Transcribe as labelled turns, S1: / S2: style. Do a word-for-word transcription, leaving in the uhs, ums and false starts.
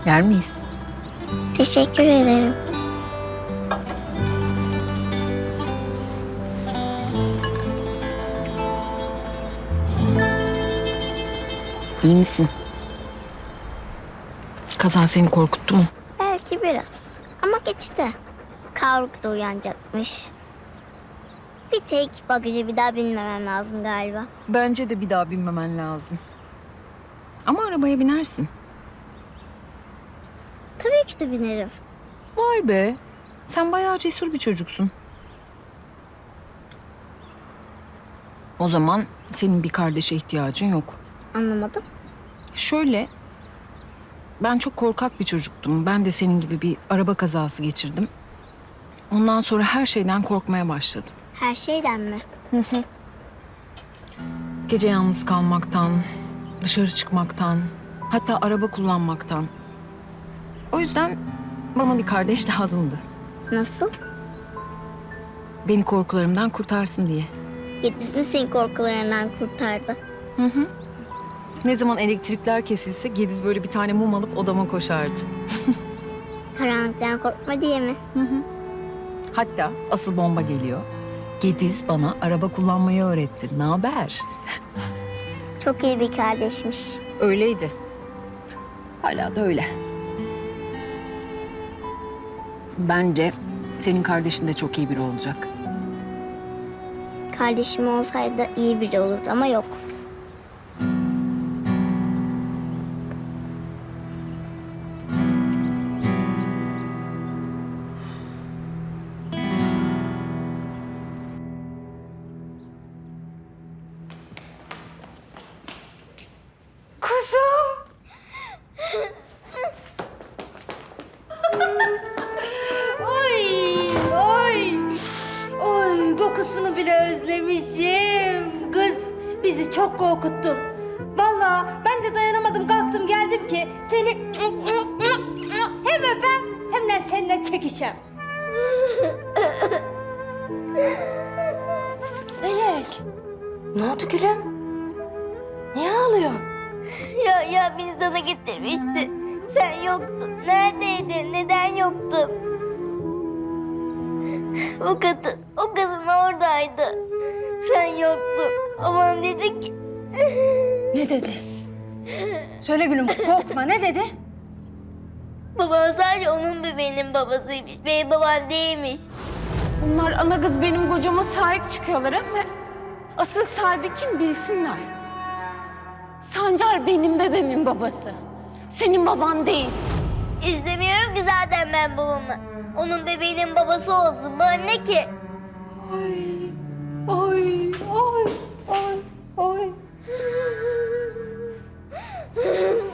S1: Yer miyiz?
S2: Teşekkür ederim.
S1: İyi misin? Kaza seni korkuttu mu?
S2: Belki biraz. Ama geçti. Kavruk da uyanacakmış. Bir tek bagajı bir daha binmemem lazım galiba.
S1: Bence de bir daha binmemen lazım. Ama arabaya binersin.
S2: Tabii ki de binerim.
S1: Vay be. Sen bayağı cesur bir çocuksun. O zaman senin bir kardeşe ihtiyacın yok.
S2: Anlamadım.
S1: Şöyle, ben çok korkak bir çocuktum. Ben de senin gibi bir araba kazası geçirdim. Ondan sonra her şeyden korkmaya başladım.
S2: Her şeyden mi?
S1: Gece yalnız kalmaktan, dışarı çıkmaktan, hatta araba kullanmaktan. O yüzden bana bir kardeş lazımdı.
S2: Nasıl?
S1: Beni korkularımdan kurtarsın diye.
S2: Yediz mi seni korkularından kurtardı?
S1: Hı hı. Ne zaman elektrikler kesilse Gediz böyle bir tane mum alıp odama koşardı.
S2: Karanlıktan korkma diye mi?
S1: Hı hı. Hatta asıl bomba geliyor. Gediz bana araba kullanmayı öğretti. Ne haber?
S2: Çok iyi bir kardeşmiş.
S1: Öyleydi. Hala da öyle. Bence senin kardeşin de çok iyi biri olacak.
S2: Kardeşim olsaydı iyi biri olurdu ama yok.
S3: Kuzum. Oy, oy. Oy, kokusunu bile özlemişim. Kız, bizi çok korkuttun. Vallahi ben de dayanamadım, kalktım geldim ki seni hem öpem hem de seninle çekişem. Melek, ne oldu gülüm? Niye ağlıyorsun?
S2: Ya ya beni sana getirmişti. Sen yoktun. Neredeydin? Neden yoktun? O kadın, o kadın oradaydı. Sen yoktun. Aman dedi ki...
S3: Ne dedi? Söyle gülüm, korkma, ne dedi?
S2: Baban sadece onun bebeğinin babasıymış. Benim babam değilmiş.
S4: Bunlar ana kız benim kocama sahip çıkıyorlar ama asıl sahibi kim bilsinler. Sancar benim bebeğimin babası. Senin baban değil.
S2: İstemiyorum ki zaten ben babamı. Onun bebeğinin babası olsun. Bana ne ki?
S4: Ay, ay, ay, ay, ay.